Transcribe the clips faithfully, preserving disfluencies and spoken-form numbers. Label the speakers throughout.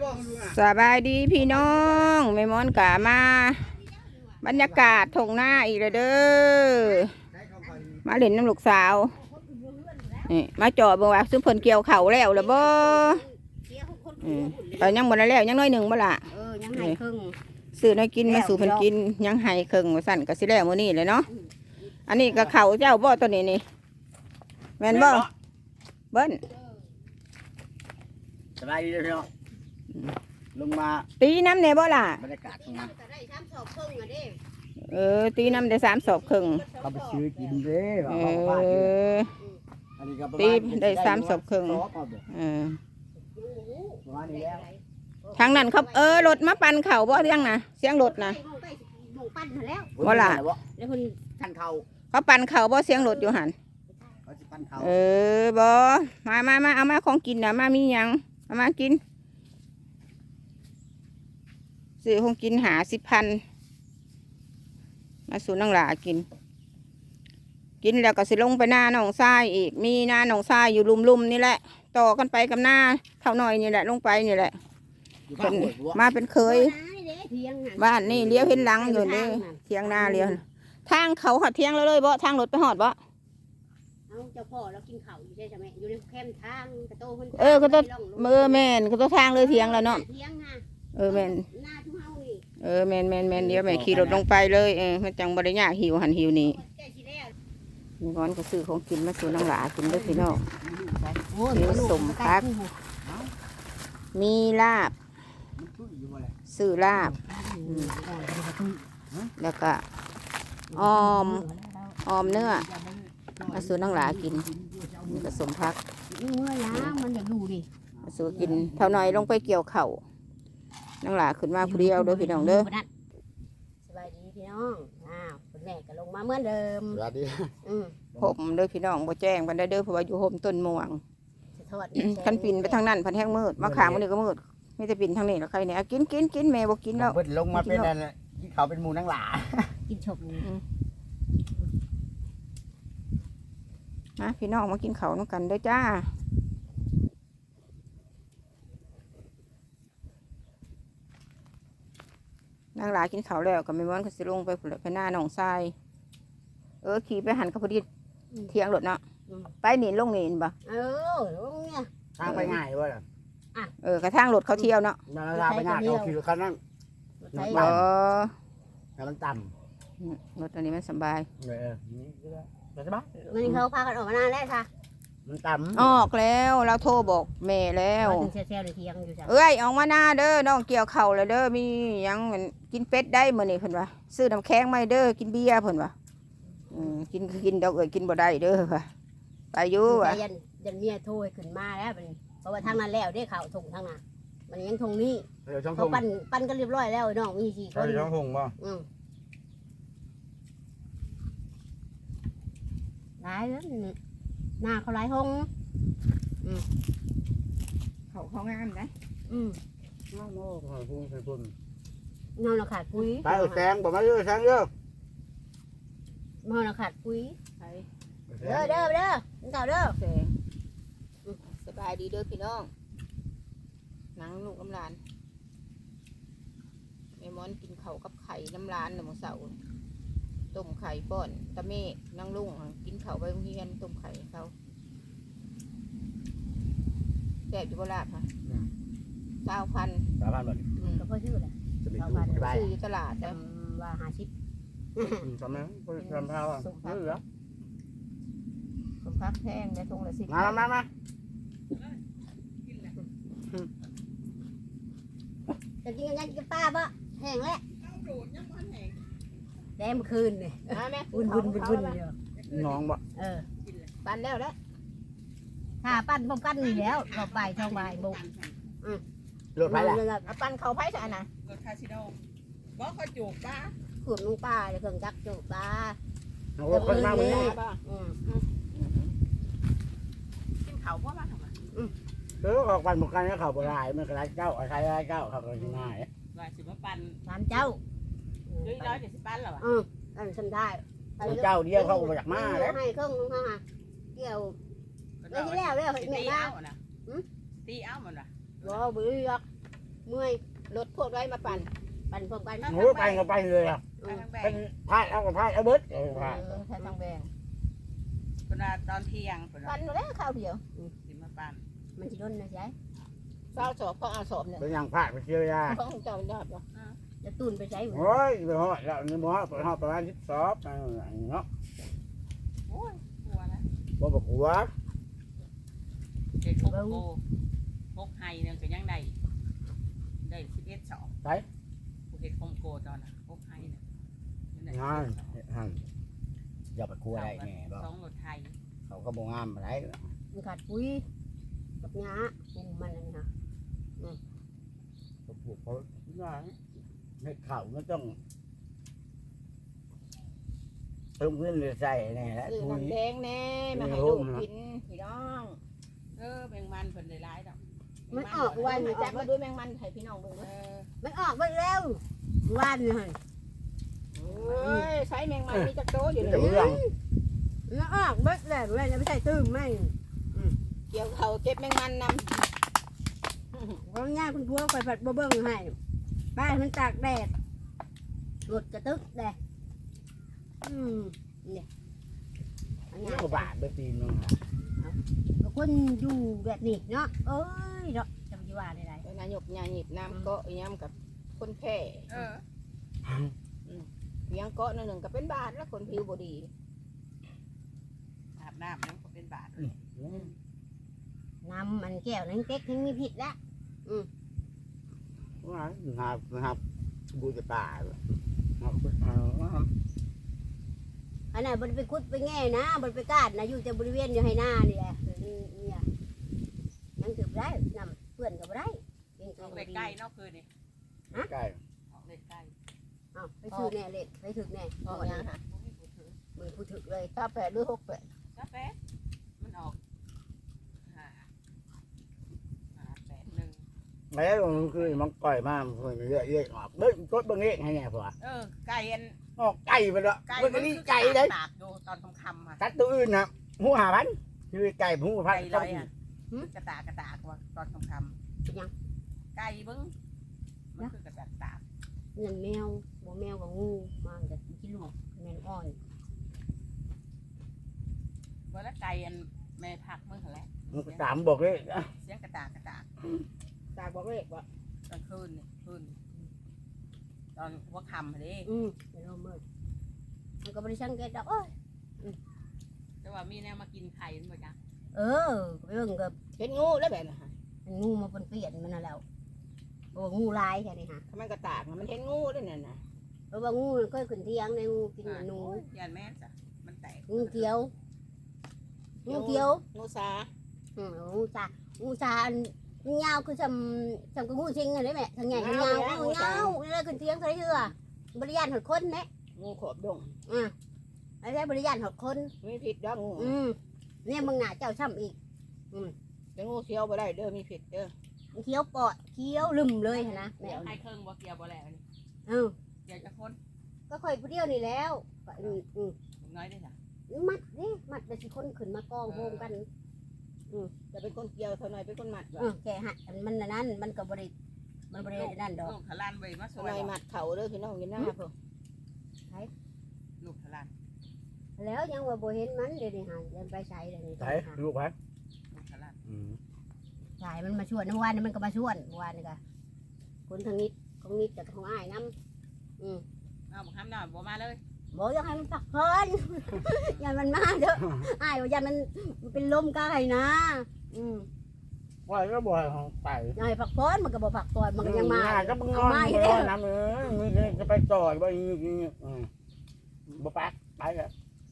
Speaker 1: สบายดีพี่น้องแม่มอนกะมาบรรยากาศทงหน้าอีกแล้วเด้อมาเล่นน้ำลูกสาวนี่มาจอดบ่ว่าซุ่มเพิ่นเกี่ยวเข่าแล้วล่ะบ่แต่ยังบ่ได้แล้วยังน้อยหนึ่งบ่ล่ะ
Speaker 2: เออยังให้ครึ่ง
Speaker 1: ซื้อน้อยกินมาสู่เพิ่นกินยังให้ครึ่งว่าสั่นก็สิแล้วมื้อนี้เลยเนาะอันนี้ก็เข่าเจ้าบ่ตัวนี้นี่แม่นบ่เบิ้น
Speaker 3: สบายดีเนาะลงมา
Speaker 1: ตีน้ำเนี่ยบ่ล่ะ
Speaker 3: บรรยากาศตรงนั้น
Speaker 1: เออตีน้ำได้สามศอกครึ่ง
Speaker 3: เขาไปซื้อกินเด้
Speaker 1: เออตีได้สามศอกครึ่งเออทางนั้นเขาเออรถมาปั่นเข่าบ่เสียงนะเสียงรถนะบ่ล่ะ
Speaker 3: แล้วคนทันเขา
Speaker 1: เขาปั่นเข่าบ่เสียงรถอยู่หันเออบ่มามามาเอามาของกินนะมามีหยังเอามากินซื้อของกินหาสิบพันมาสู่นังหลากินกินแล้วก็สิลงไปหน้าหนองทรายอีกมีหน้าหนองทรายอยู่ลุ่มๆนี่แหละต่อกันไปกับหน้าเท่าหน่อยนี่แหละลงไปนี่แหละเป็นมาเป็นเคยบ้านนี่เลี้ยวเห็นหลังอยู่นี่เทียงหน้าเลี้ยวทางเขาหอดเทียงแล้วเลยบ่ทางรถไปหอดบ่
Speaker 2: เอาเจ้าพ่อเรากินข้าวอยู่ใช่ไหมอยู่ในแคมทางกระโตคน
Speaker 1: เออกระโตเมื่อแม่นกระโตทางเลยเทียงแล้วเนาะเออแม่นเออแม่นแม่นแม่นเดี๋ยวแม่ขี่รถลงไปเลยเออมันจังบริญญาหิวหันหิวนี่มีร้อนก็ซื้อของกินมาสู่นังหลากินด้วยพี่น้องมีสมพักมีลาบซื้อลาบแล้วก็ออมออมเนื้อมาสู่นังหลากินมีผสมพัก
Speaker 2: เมื่อยนะมันอยากดูดิ
Speaker 1: มาสู่กินเท่าน้อยลงไปเกี่ยวเข่านังหลาขึ้นมาผู้เดียวเด้อพี่น้องเด้อ
Speaker 2: สบายดีพี่น้องอ้าวคุณแม่ก็ลงมาเหมือนเดิม
Speaker 3: สวัสดี
Speaker 1: ผมเด้อพี่น้องบ่แจ้งบันไดเด้อเพราะว่าอยู่ห่มต้นม่วงคันปิ่นไปทางนั้นพันแห้งมืดมาขางมันนี่ก็มืดไม่จะปิ่นทางนี้แล้วใครเนี่ยกินกินกินแม่บ่กินแล้ว
Speaker 3: ลงมาเป็นอะไรที่เขาเป็นมูนังหลา
Speaker 2: กินฉบ
Speaker 1: นะพี่น้องมากินเขาน้ำกันเด้อจ้านางหลากินเขาแล้วก็ไม่ม้วนก็สิลงไปผุดไปหน้าหนองทรายเออขี่ไปหันกับพอดีเทียงรถเนาะไปหนีลงหนีนบ่
Speaker 2: เออลงเนี่ย
Speaker 3: ทางไปง่ายว่ะ
Speaker 1: เออกระทั่งรถเขาเที่ยวเนาะ
Speaker 3: ทางไปง่ายเขาขี่รถคันนั้น
Speaker 1: เออ
Speaker 3: แต่มันต่
Speaker 1: ำรถอันนี้มันสบาย
Speaker 3: เออนี่สบาย
Speaker 2: มันเขาพากันออกมานานแล้วค่ะ
Speaker 3: มันต่ำ
Speaker 1: ออกแล้วเราโทรบอกแม่แล้วเอ้ยออกมาหน้าเด้อน้องเกี่ยวเข่าเลยเด้อมียังกินเป็ดได้เมื่อนี่เพิ่นว่าซื้อน้ำแข็งไม่เด้อกินเบียร์เพิ่นว่ากินกินดอกเอ้ยกินบ่ได้เด้อค่ะไปอยู่ว่ะ
Speaker 2: ยันยันเมียโทรขึ้นมาแล้วเพราะว่าทางนั้นแล้วได้ข่าวทงทางนั้นมันยังทงนี้เขาปั้นปั้นกันเรียบร้อยแล้วน้องมีสี่คน
Speaker 3: ช่องทงป่ะ
Speaker 2: หลายแล้วหน้าเขาหลายห้อง
Speaker 1: เขาเขางามนะ
Speaker 2: อืม
Speaker 3: น้องโม่ขอพุ่งใส่พุ่ง
Speaker 2: น้องเราขาดปุ๋ย
Speaker 3: ไปแซงบอกมาเยอะแซงเยอะ
Speaker 2: น้องเราขาดปุ๋ยเด้อเด้อเด้อเก่าเด้อ
Speaker 1: แซงสบายดีเด้อพี่น้องนังลูกน้ำลานแม่มอนกินเขากับไข่น้ำลานหนึ่งเสาต้มไข่ป้อนตะเมฆนั่งลุงกินเขาไปโรงเรียนต้มไข่เขาแจกอยู่บนลาบค่ะเก้าพัน
Speaker 3: เก้าพันบาท
Speaker 2: ก็เพื่อชื่อแหละ
Speaker 3: เก้าพัน
Speaker 1: ซื้อตลาดแต่
Speaker 2: ว่าหาชิป
Speaker 3: ทำไมทำเท่าอ่ะนี่เหรอ
Speaker 1: สมพักแห้งในทงละสิบ
Speaker 3: มามามา
Speaker 2: จะกินกันยังกินป้าปะแห้งแล้วแดมคืนเลยวุ่นวุ่นวุ่นวุ่นเดียว
Speaker 3: น้องบ่
Speaker 2: เออ
Speaker 1: ปั้นแล้วแล้ว
Speaker 2: ถ้าปั้นพวกปั้นนี่แล้วเราไปช่องใบบุก
Speaker 3: รถไฟล่ะ
Speaker 1: ปั้นเขาไผ่ใช่ไหม
Speaker 4: รถคาสิโดบ่เขาจูบป้า
Speaker 2: ขวดลูกป้าเลยเครื่องจักรจูบป้า
Speaker 3: โอ้คนมาเลย
Speaker 4: กินเขาเพราะว่าทำไม
Speaker 3: เออออกปันหมกกันแล้วเขาโบราณมันกระไรเจ้าอะไรไรเจ้าเขาก็ยังง่าย
Speaker 4: ว่าสิมาปัน
Speaker 2: สามเจ้า
Speaker 4: ด้วยร้อยเจ็ดสิบปันหรอวะ
Speaker 2: อืมอันฉันได้
Speaker 3: เจ้าเดียวเขาก็มาจากมา
Speaker 2: แล้วให้เครื่องนึงค่ะเกี่ยวไม่ที่แล้วเลย
Speaker 4: ตีเอานะตีเอามันวะ
Speaker 2: บ่บื้อยักเมื่อยรถพวกไรมาปั่นปั่นพวกกัน
Speaker 3: หมูไปก็ไปเลยอ่ะ
Speaker 4: ไปทางแบ
Speaker 3: เป็
Speaker 4: ง
Speaker 3: นพายเอากับพายเอาเบิดเอาพาย
Speaker 2: เออใช้ทางแบง
Speaker 4: เวลาตอนเที่ยงเพิ่น
Speaker 2: ปั่นมาแล้วข้าวเดียว
Speaker 4: สิมาปั่น
Speaker 2: มันจะโดนนะใช่เศร้าสอบก็เอาสอบเนี่ย
Speaker 3: เป็นอย่างพายไปเชียวยา
Speaker 2: เพราะของเจ้ามันยอดเนาะจะตุนไปใช้
Speaker 3: โอ้ยไปหอดแล้วนี่บ่ฮอดไปหอดประมาณสิบสองเนาะ
Speaker 4: โอ้ยกลัวแล้ว
Speaker 3: บ่บอกหัว
Speaker 4: เด็กหกโกหกไฮนึงก็ยังได้ได้สิบเอ็ดสองผู้เฮ็ดคอมโกตอนน่ะหกไฮนึง
Speaker 3: งานหันอย่าไปกลัวได้แน่บ่
Speaker 4: สองรถไทย
Speaker 3: เขาก็บ่งามอะไร
Speaker 2: มันขาดปุ๋ยกับหญ้าปุ่มมันนี่ฮะ
Speaker 3: ก็ปลูกเขาในเขามันต้องเติมขึ้นเลยใส่แน่แล้ว
Speaker 1: ซื้อ
Speaker 3: ปุ๋ย
Speaker 1: น้ำแดงแน่มาให้ลูกกินพี่น้อง
Speaker 4: เออแมงมันเพิ่นได้หลายดอก
Speaker 2: มันออก
Speaker 1: วั
Speaker 2: วัน น
Speaker 1: จั
Speaker 2: จั
Speaker 1: ก
Speaker 2: ก
Speaker 1: มา
Speaker 2: มา
Speaker 1: ด้วยแมงมันให้พี่น้องเบิ่ง
Speaker 4: เอ
Speaker 1: เด้อ
Speaker 4: อ
Speaker 2: มันออกไปแล้ววันนี่ฮะ
Speaker 1: โอ้ยใช้แมงมันมีจักโตอยู่เล
Speaker 3: จะ
Speaker 1: ย
Speaker 3: เรื่อง
Speaker 2: มันออกเบิดแล้วเลยจะไม่ใช่ตื้มไม่
Speaker 1: เกี่ยวเขาเก็บแมงมันน
Speaker 2: เพราะง่ายคุณพัวคอยผัดบ่เบิ้งให้บ้านมันตากแดดรถกระตึกแดดอืมเนี่ยอัน
Speaker 3: นี่
Speaker 2: นี้
Speaker 3: ก็บาทไปปีนึง
Speaker 2: คนอยู่แบบนี้เนาะเอ้ยเนาะจำจีว่าได้ไร
Speaker 1: ำนายกยาหยิบน้ำเกาะอีหย้ำกับคนแพ้
Speaker 4: เออ
Speaker 1: เลี้ยงเกาะนั่นหนึ่งก็เป็นบาทแล้วคนผิวบดี
Speaker 4: อาบน้ำนั่นก็เป็นบาท
Speaker 2: น้ำมันแก้วนั้นเก๊กทั้งมีผิดละ
Speaker 3: ว่าหาหาบูจะป่าหา
Speaker 2: อันนั้นบนไปคุดไปแง่นะบนไปกาดนะอยู่แต่บริเวณอยู่ให้หน้านี่แหละเนี่ยยังถือได้นำเพื่อนกับได้เอง
Speaker 4: ออกเลขใกล้เนาะคืนนี่
Speaker 3: ใกล้
Speaker 4: ออกเลขใกล้
Speaker 2: อ้าวไปถือแน่เล็ดไปถือแน่
Speaker 1: ออกยังฮะ
Speaker 4: บ่มีผู้ถือ
Speaker 2: มือผู้ถือเลย
Speaker 1: ถ้าแปดหรือหกแปด
Speaker 4: กาแฟมันออกห้าห้าแปดหนึ่ง
Speaker 3: แล้วคือมันก่อยมากมันเยอะเยอะออกเบิ้งกดเบิ้งเองให้ไงพ่อ
Speaker 4: เออไก่อัน
Speaker 3: ออกไก่ไปแล้ว
Speaker 4: ไก่
Speaker 3: มันก็นี่ไก่เลย
Speaker 4: ตากอยู่ตอนค่ำๆค่ะ
Speaker 3: ตัดตัวอื่นนะหูหาพันคือไก่หูพั
Speaker 4: ไก่
Speaker 3: น
Speaker 4: ลอยอ่ะกระตากกระตากว่าตอนค่ำ
Speaker 2: เป็นยัง
Speaker 4: ๆไก่เบิ้งมันคือกระตากตาก
Speaker 2: เงินแมวบ่แมวกับงูมาจากที่ลูกแมนอ่อน
Speaker 4: ว่าแล้วไก่อันแม่ผักเมื่อไหร่
Speaker 3: มันก็ตามบอกเลย
Speaker 4: เสียงกระตากกระตาก
Speaker 1: ตากบอกเลขว่า
Speaker 4: ตอนคืนนี่คืนตอนหัวค่ำเลย
Speaker 2: อืมเป็นลมมืดมันก็บริชังเกตดอกเอ้ย
Speaker 4: แต่ว่ามีแนวมากินไข่มันบ่จ้ะ
Speaker 2: เออไปเบิ่งกับ
Speaker 1: เห็นงูแล้วแบบนะฮะ
Speaker 2: มันงูมาปนเปลี่ยนมันน่ะแล้วโอ้งูลายแค่นี้ฮะ
Speaker 1: ถ้ามันก็ตากนะมันเห็นงูด้วยนั่นนะ
Speaker 2: เพราะว่างูมันก็ขึ้นเที่ยงในงูกินหนู
Speaker 4: ยานแม่จ้ะมันแตก
Speaker 2: งูเขียวงูเขียว
Speaker 1: งูสา
Speaker 2: อืมงูซางูซาอันยาวคือจำจำกับงูชิงอะไรแม่ทางใหญ่ทางยาวงูยาวแล้วขึ้นเที่ยงเท่าไหร่เชื่อบริยานหดคนแม่
Speaker 1: งูขอบดง
Speaker 2: อ่าอะไรบริยานหดคน
Speaker 1: มีผิดดอกงู
Speaker 2: อืมเนี่ยมึงหนาเจ้าช่ำอีก
Speaker 1: แต่งูเขียวบ่ได้เด้อมีผิดเด้อ
Speaker 2: เคี้ยวปอดเคี้ยวลืมเลยนะแม่
Speaker 4: เดี๋ยวให้เครื่องบ่เกี่ยวบ่แล้วนี่
Speaker 2: เออ
Speaker 4: เกี่ยวจะคน
Speaker 2: ก็ค่อยผู้เดียวนี่แล้วอืมอืม
Speaker 4: ผมน้อยได้จ้ะ
Speaker 2: มัดนี่มัดไปสิคนขึ้นมากองโฮมกัน
Speaker 1: จะเป็นคนเกี่ยวเท่าน้อยเป็นคนมัด
Speaker 2: เออแกฮะมันนั่นมันก็บริมันบรินั่นดอก
Speaker 4: ลูกทะลานไว้มาส
Speaker 1: เท่า
Speaker 4: วย
Speaker 1: น้อยมัดเขาเด้อพี่น้องกินหน้าพวก
Speaker 4: ลูกทะลาน
Speaker 2: แล้วยังว่าบ่เห็นมันเดี๋ยวนี้หาเดินไปใช้เดี๋ยวนี้
Speaker 3: ใช่ลูกพัน
Speaker 4: ลูกทะลาน
Speaker 2: ใช่มันมาชวนเมื่อวานนี้มันก็มาชวนเมื่อวานนี่ก็คนทางนิดของนิดกับของอ้ายน้ำอืม
Speaker 4: เอาบ่ห้ามน้อยบ่มาเลย
Speaker 2: บอกอยังให้มันพักผ่อน อย่ามันมาเด้ออ้ายว่าอย่ามันมันเป็นลมกายนะ อืม
Speaker 3: ว่าก็บ่อยของไป
Speaker 2: อย่าให้พักผ่อนมันก็บ่พักผ่อนมันก็ยังมา
Speaker 3: ก็มึงนอนนอนน้ำเออมึงจะไปจอดบ่ยี่ยี่บ่ปักไปแล้ว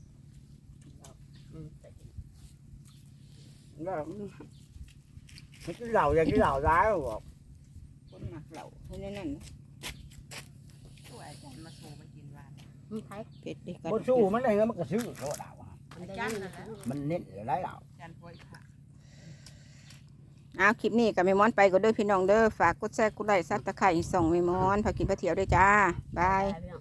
Speaker 3: ก็ไม่กินเหล้าอย่างกินเหล้าร้ายบอก
Speaker 1: คนมักเหล่าเท่านั้นนั่น
Speaker 4: ช่วยอาจารย์มาโชว์มันกินว่า
Speaker 2: อืมไผ
Speaker 1: เผ็ดดิ
Speaker 3: บ่สู้มันได้แล้วมันก็ซื้อโลดาว
Speaker 2: มันได้
Speaker 4: จัน
Speaker 2: ยิน
Speaker 4: นั่นแหละ
Speaker 3: มันเน้นหลายเหล้า
Speaker 4: อาจารย์ป่วยค่ะ
Speaker 1: เอาคลิปนี้กับแม่มอนไปก็เด้อพี่น้องเด้อฝากกดแชร์กดไลค์ซับตะไคร้ส่องแม่มอนพากินพาเที่ยวด้วยจ้าบาย
Speaker 2: ไป